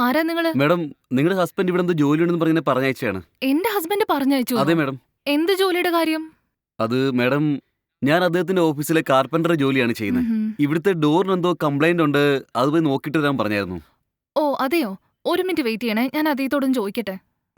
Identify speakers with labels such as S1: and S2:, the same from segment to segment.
S1: ആരാ നിങ്ങള്?
S2: മാഡം, നിങ്ങളുടെ ഹസ്ബൻഡ് ഇവിടെ എന്തോ ജോലിയുണ്ടെന്ന് പറഞ്ഞ് പറഞ്ഞയച്ചതാണ്.
S1: എന്റെ ഹസ്ബൻഡ് പറഞ്ഞയച്ചു.
S2: അതെ മാഡം.
S1: എന്ത് ജോലിയുടെ കാര്യം?
S2: അത് മാഡം, ഞാൻ അദ്ദേഹത്തിന്റെ ഓഫീസിലെ കാർപ്പന്റർ ജോലിയാണ് ചെയ്യുന്നത്.
S1: ഉഹും.
S2: ഇവിടുത്തെ ഡോറിന് എന്തോ കംപ്ലൈന്റ് ഉണ്ട്, അത് പോയി നോക്കിയിട്ട് വരാൻ പറഞ്ഞായിരുന്നു.
S1: ഓ അതെയോ, ഒരു മിനിറ്റ് വെയിറ്റ് ചെയ്യണേ, ഞാൻ അദ്ദേഹത്തോടും ചോദിക്കട്ടെ.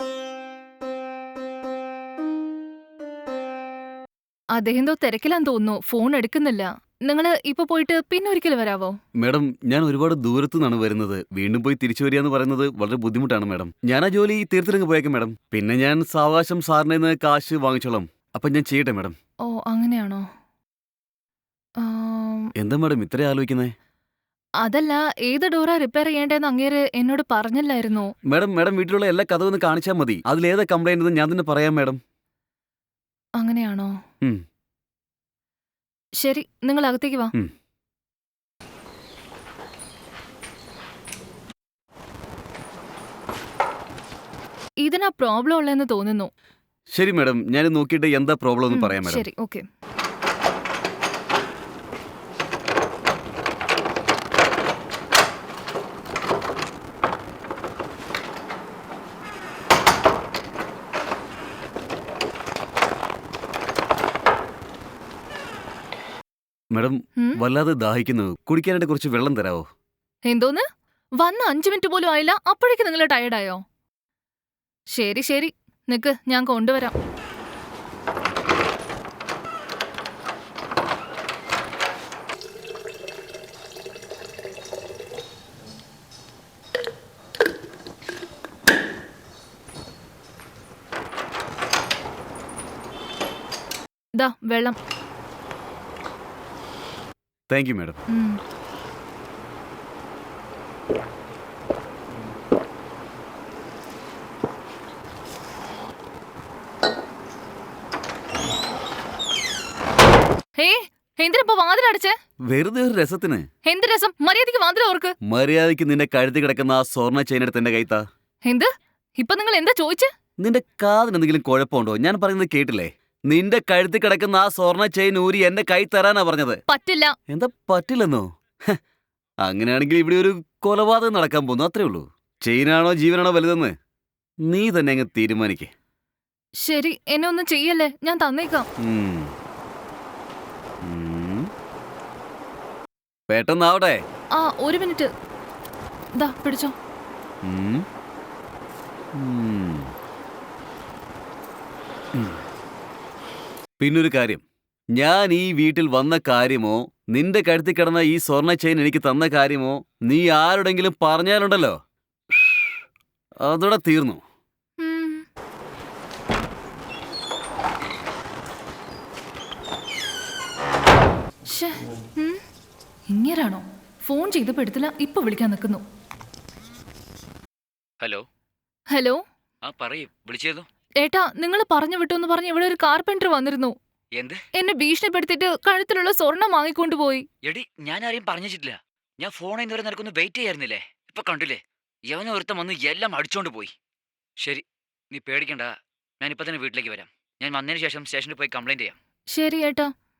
S1: അദ്ദേഹം എന്തോ തിരക്കിലാന്ന് തോന്നുന്നു, ഫോൺ എടുക്കുന്നില്ല. നിങ്ങള് ഇപ്പൊ പോയിട്ട് പിന്നെ ഒരിക്കൽ വരാവോ?
S2: മാഡം, ഞാൻ ഒരുപാട് ദൂരത്തു നിന്നാണ് വരുന്നത്. വീണ്ടും പോയി തിരിച്ചു വരിക എന്ന് പറയുന്നത് വളരെ ബുദ്ധിമുട്ടാണ് മാഡം. ഞാൻ ആ ജോലി തീർത്തിരങ്ങ് പോയേക്കാം മാഡം. പിന്നെ ഞാൻ സാവകാശം സാറിന്റെ നിന്ന് കാശ് വാങ്ങിച്ചോളാം. അപ്പൊ ഞാൻ ചെയ്യട്ടെ മാഡം.
S1: ഓ അങ്ങനെയാണോ? ആം,
S2: എന്താ മാഡം ഇത്രയും ആലോചിക്കുന്നേ?
S1: അതല്ല, ഏത് ഡോറാ റിപ്പയർ ചെയ്യേണ്ടതെന്ന് അങ്ങേര് എന്നോട് പറഞ്ഞില്ലായിരുന്നോ?
S2: മാഡം വീട്ടിലുള്ള എല്ലാ കഥ ഒന്ന് കാണിച്ചാൽ മതി. അതിലേതാ കംപ്ലൈന്റ് എന്ന് ഞാൻ തന്നെ പറയാം മാഡം.
S1: അങ്ങനെയാണോ?
S2: ഉം.
S1: ശരി, നിങ്ങൾ അകത്തേക്ക് വാ.
S2: ഉം.
S1: ഇതിനാ പ്രോബ്ലം ഉള്ളതെന്ന് തോന്നുന്നു.
S2: ശരി മാഡം, ഞാൻ നോക്കിയിട്ട് എന്താ പ്രോബ്ലം എന്ന് പറയാം മാഡം.
S1: ശരി, ഓക്കെ.
S2: മാഡം, വല്ലാതെ ദാഹിക്കുന്നു. കുടിക്കാനായിട്ട് കുറച്ച് വെള്ളം തരാവോ?
S1: എന്തോന്ന്? വന്ന് 5 മിനിറ്റ് പോലും ആയില്ല, അപ്പോഴേക്ക് നിങ്ങൾ ടയർഡായോ? ശരി ശരി, നിക്ക്, ഞാൻ കൊണ്ടുവരാം. ദാ വെള്ളം.
S2: Thank you madam.
S1: എന്തിനിപ്പോ വാതിലടച്ചേ?
S2: വെറുതെ ഒരു രസത്തിന്.
S1: എന്ത് രസം? മര്യാദയ്ക്ക് വാതിൽ ഓർക്ക്.
S2: മര്യാദയ്ക്ക് നിന്റെ കഴുത്തി കിടക്കുന്ന ആ സ്വർണ്ണ ചെയിൻ എടുത്ത് എന്റെ കൈത്താ.
S1: എന്ത്? ഇപ്പൊ നിങ്ങൾ എന്താ ചോദിച്ചേ?
S2: നിന്റെ കാതിന് എന്തെങ്കിലും കുഴപ്പമുണ്ടോ? ഞാൻ പറയുന്നത് കേട്ടില്ലേ? നിന്റെ കഴുത്തി കിടക്കുന്ന ആ സ്വർണ്ണ ചെയിൻ ഊരി എന്റെ കൈ തരാനാ പറഞ്ഞത്.
S1: പറ്റില്ല.
S2: എന്താ പറ്റില്ലെന്നോ? അങ്ങനെയാണെങ്കിൽ ഇവിടെ ഒരു കൊലപാതകം നടക്കാൻ പോകുന്നു, അത്രേ ഉള്ളൂ. ചെയിനാണോ ജീവനാണോ വലുതെന്ന് നീ തന്നെ അങ്ങ് തീരുമാനിക്കേ.
S1: ശരി, എന്നെ ഒന്നും ചെയ്യല്ലേ, ഞാൻ തന്നേക്കാം.
S2: പെട്ടെന്നാവട്ടെ.
S1: ആ, ഒരു മിനിറ്റ്. ദാ പിടിച്ചോ.
S2: പിന്നൊരു കാര്യം, ഞാൻ ഈ വീട്ടിൽ വന്ന കാര്യമോ നിന്റെ കഴുത്തി കിടന്ന ഈ സ്വർണ്ണ ചെയിൻ എനിക്ക് തന്ന കാര്യമോ നീ ആരോടെങ്കിലും പറഞ്ഞാലുണ്ടല്ലോ, അതോടെ തീർന്നു.
S1: ഇങ്ങനാണോ? ഫോൺ ചെയ്തപ്പോ എടുത്തില്ല, ഇപ്പൊ വിളിക്കാൻ നിൽക്കുന്നു.
S3: Hello
S1: hello.
S3: ആ പറയൂ, വിളിച്ചേതോ?
S1: ഏട്ടാ, നിങ്ങൾ പറഞ്ഞു വിട്ടു പറഞ്ഞ് ഇവിടെ ഒരു കാർപെന്റർ വന്നിരുന്നു.
S3: എന്ത്?
S1: എന്നെ ഭീഷണിപ്പെടുത്തിട്ട് കഴുത്തിലുള്ള സ്വർണം വാങ്ങിക്കൊണ്ടു പോയി.
S3: എടി, ഞാൻ ആരെയും പറഞ്ഞിട്ടില്ല. ഞാൻ ഫോണിൽ നിന്ന് വരെ നിനക്കൊന്ന് വെയിറ്റ് ചെയ്യായിരുന്നില്ലേ? ഇപ്പൊ കണ്ടില്ലേ, യവന ഒരുത്തം വന്ന് എല്ലാം അടിച്ചോണ്ട് പോയി. ശരി, നീ പേടിക്കണ്ട, ഞാൻ ഇപ്പൊ തന്നെ വീട്ടിലേക്ക് വരാം. ഞാൻ വന്നതിന് ശേഷം സ്റ്റേഷനിൽ പോയി കംപ്ലൈന്റ് ചെയ്യാം.
S1: ശരി ഏട്ടാ.